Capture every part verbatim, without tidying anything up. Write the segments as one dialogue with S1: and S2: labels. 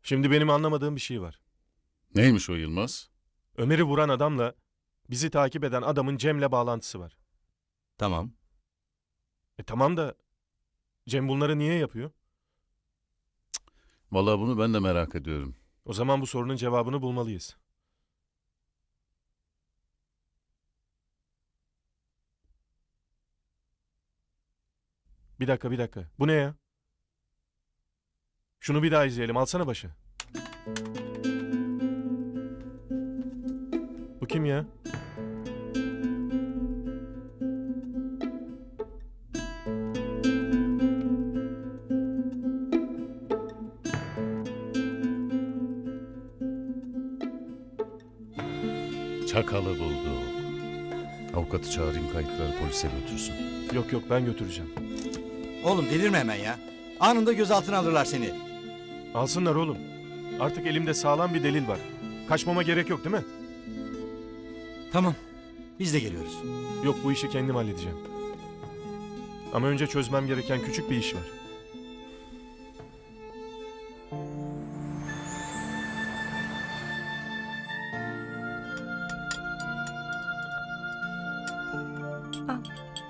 S1: Şimdi benim anlamadığım bir şey var.
S2: Neymiş o Yılmaz?
S1: Ömer'i vuran adamla bizi takip eden adamın Cem'le bağlantısı var.
S3: Tamam.
S1: E tamam da Cem bunları niye yapıyor?
S2: Vallahi bunu ben de merak ediyorum.
S1: O zaman bu sorunun cevabını bulmalıyız. Bir dakika bir dakika. Bu ne ya? Şunu bir daha izleyelim. Alsana başı. Bu kim ya?
S2: Çakalı bulduk. Avukatı çağırayım, kayıtları polise götürsün.
S1: Yok yok, ben götüreceğim.
S3: Oğlum delirme hemen ya. Anında gözaltına alırlar seni.
S1: Alsınlar oğlum. Artık elimde sağlam bir delil var. Kaçmama gerek yok değil mi?
S3: Tamam. Biz de geliyoruz.
S1: Yok, bu işi kendim halledeceğim. Ama önce çözmem gereken küçük bir iş var.
S4: Al.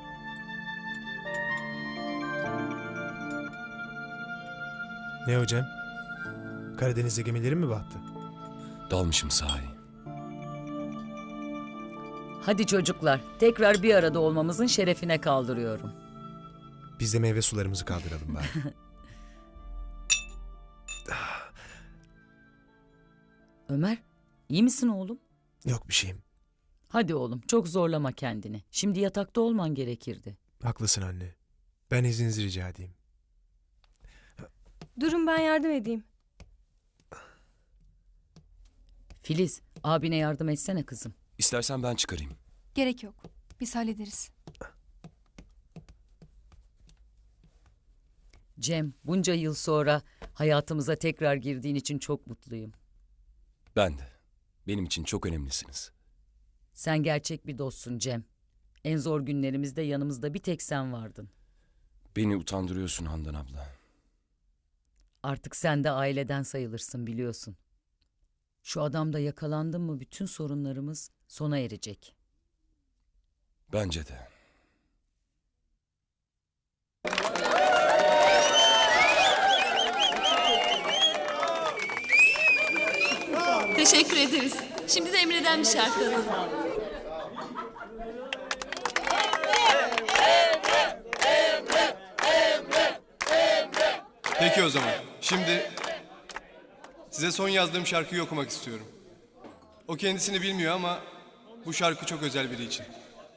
S5: Ne hocam? Karadeniz'de gemilerin mi battı?
S6: Dalmışım sahi.
S7: Hadi çocuklar, tekrar bir arada olmamızın şerefine kaldırıyorum.
S5: Biz de meyve sularımızı kaldıralım bari.
S7: Ömer, iyi misin oğlum?
S5: Yok bir şeyim.
S7: Hadi oğlum, çok zorlama kendini. Şimdi yatakta olman gerekirdi.
S5: Haklısın anne. Ben izninizi rica edeyim.
S4: Durun, ben yardım edeyim.
S7: Filiz, abine yardım etsene kızım.
S6: İstersen ben çıkarayım.
S4: Gerek yok. Biz hallederiz.
S7: Cem, bunca yıl sonra hayatımıza tekrar girdiğin için çok mutluyum.
S6: Ben de. Benim için çok önemlisiniz.
S7: Sen gerçek bir dostsun Cem. En zor günlerimizde yanımızda bir tek sen vardın.
S6: Beni utandırıyorsun Handan abla.
S7: Artık sen de aileden sayılırsın, biliyorsun. Şu adamda yakalandın mı bütün sorunlarımız sona erecek.
S6: Bence de.
S8: Teşekkür ederiz. Şimdi de Emre'den bir şarkı alalım.
S9: Peki o zaman. Şimdi size son yazdığım şarkıyı okumak istiyorum. O kendisini bilmiyor ama bu şarkı çok özel biri için.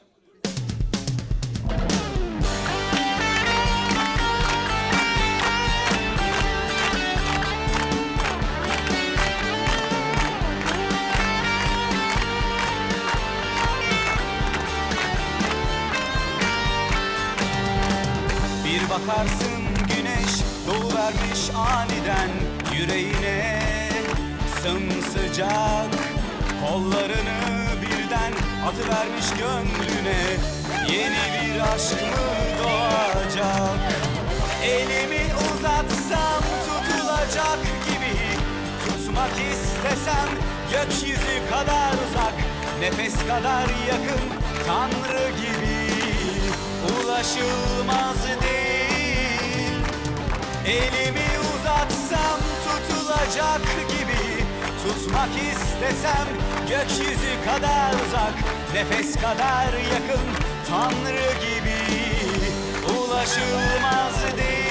S10: Bir bakarsın güneş doğuvermiş aniden yüreğine, sımsıcak kollarını birden atıvermiş gönlüne. Yeni bir aşk mı doğacak? Elimi uzatsam tutulacak gibi, tutmak istesem gökyüzü kadar uzak, nefes kadar yakın, Tanrı gibi ulaşılmaz değil. Elimi uzatsam tutulacak gibi, tutmak istesem gökyüzü kadar uzak, nefes kadar yakın, Tanrı gibi ulaşılmaz değil.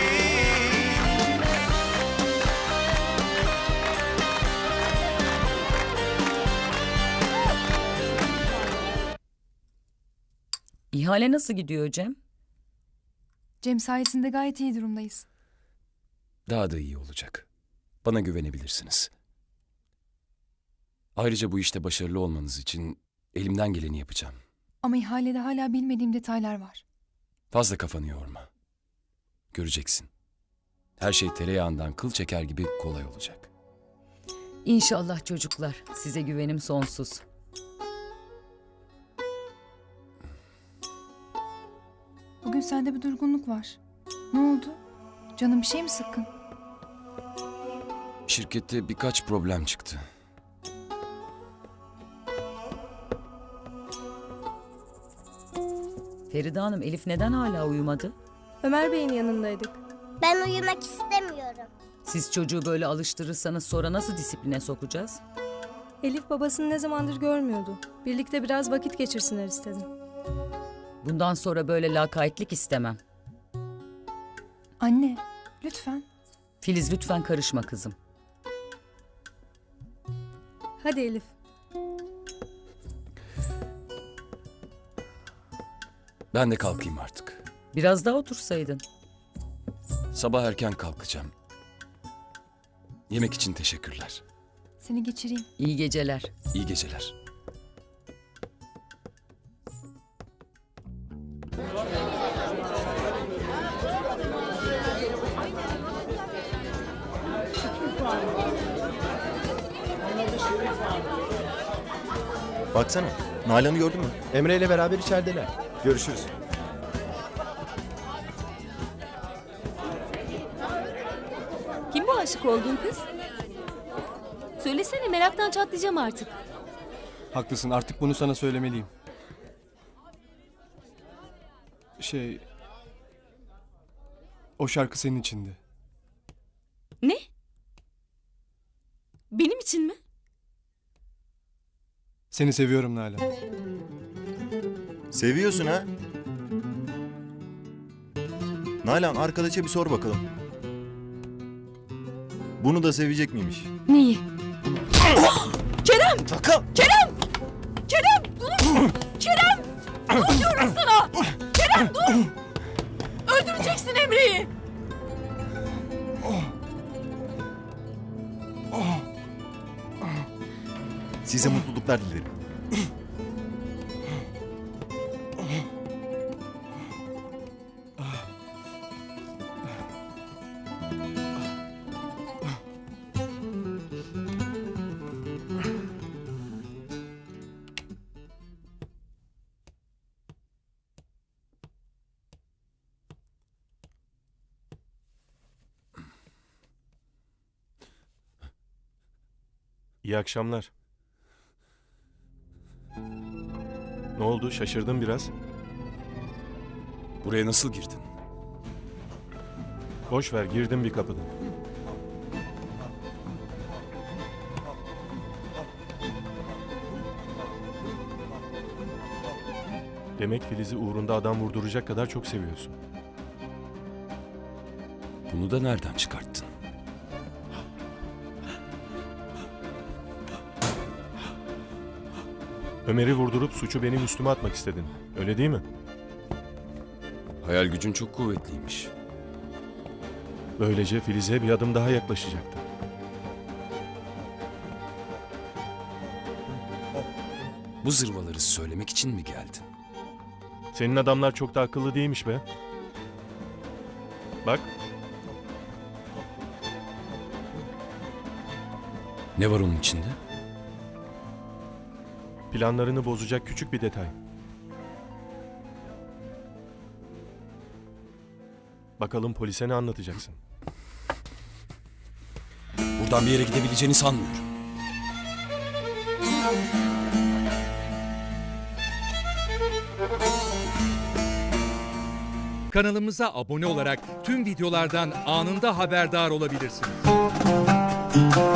S7: İhale nasıl gidiyor Cem?
S4: Cem sayesinde gayet iyi durumdayız.
S6: Daha da iyi olacak. Bana güvenebilirsiniz. Ayrıca bu işte başarılı olmanız için elimden geleni yapacağım.
S4: Ama ihalede hala bilmediğim detaylar var.
S6: Fazla kafanı yorma. Göreceksin. Her şey tereyağından kıl çeker gibi kolay olacak.
S7: İnşallah çocuklar. Size güvenim sonsuz.
S4: Bugün sende bir durgunluk var. Ne oldu? Canın bir şey mi sıkkın?
S6: Şirkette birkaç problem çıktı.
S7: Feride Hanım, Elif neden hala uyumadı?
S11: Ömer Bey'in yanındaydık.
S12: Ben uyumak istemiyorum.
S7: Siz çocuğu böyle alıştırırsanız sonra nasıl disipline sokacağız?
S11: Elif babasını ne zamandır görmüyordu. Birlikte biraz vakit geçirsinler istedim.
S7: Bundan sonra böyle lakaytlık istemem.
S4: Anne, lütfen.
S7: Filiz, lütfen karışma kızım.
S11: Hadi Elif.
S6: Ben de kalkayım artık.
S7: Biraz daha otursaydın.
S6: Sabah erken kalkacağım. Yemek için teşekkürler.
S4: Seni geçireyim.
S7: İyi geceler.
S6: İyi geceler.
S10: Baksana. Nalan'ı gördün mü? Emre ile beraber içerideler. Görüşürüz.
S8: Kim bu aşık olduğun kız? Söylesene, meraktan çatlayacağım artık.
S9: Haklısın, artık bunu sana söylemeliyim. Şey... O şarkı senin içindi.
S8: Ne? Benim için mi?
S9: Seni seviyorum Nalan.
S10: Seviyorsun ha? Nalan, arkadaşa bir sor bakalım. Bunu da sevecek miymiş?
S8: Neyi?
S10: Kerem! Sakın!
S8: Kerem! Kerem dur! Kerem! Dur diyorum sana! Kerem dur! Öldüreceksin Emre'yi!
S10: Size mutluluklar dilerim.
S1: İyi akşamlar. Ne oldu? Şaşırdın biraz.
S6: Buraya nasıl girdin?
S1: Boş ver, girdim bir kapıdan. Demek Filiz'i uğrunda adam vurduracak kadar çok seviyorsun.
S6: Bunu da nereden çıkarttın?
S1: Ömer'i vurdurup suçu benim üstüme atmak istedin. Öyle değil mi?
S6: Hayal gücün çok kuvvetliymiş.
S1: Böylece Filiz'e bir adım daha yaklaşacaktı.
S6: Bu zırvaları söylemek için mi geldin?
S1: Senin adamlar çok da akıllı değilmiş be. Bak,
S6: Ne var onun içinde?
S1: planlarını bozacak küçük bir detay. Bakalım polise ne anlatacaksın?
S6: Buradan bir yere gidebileceğini sanmıyorum.
S13: Kanalımıza abone olarak tüm videolardan anında haberdar olabilirsiniz.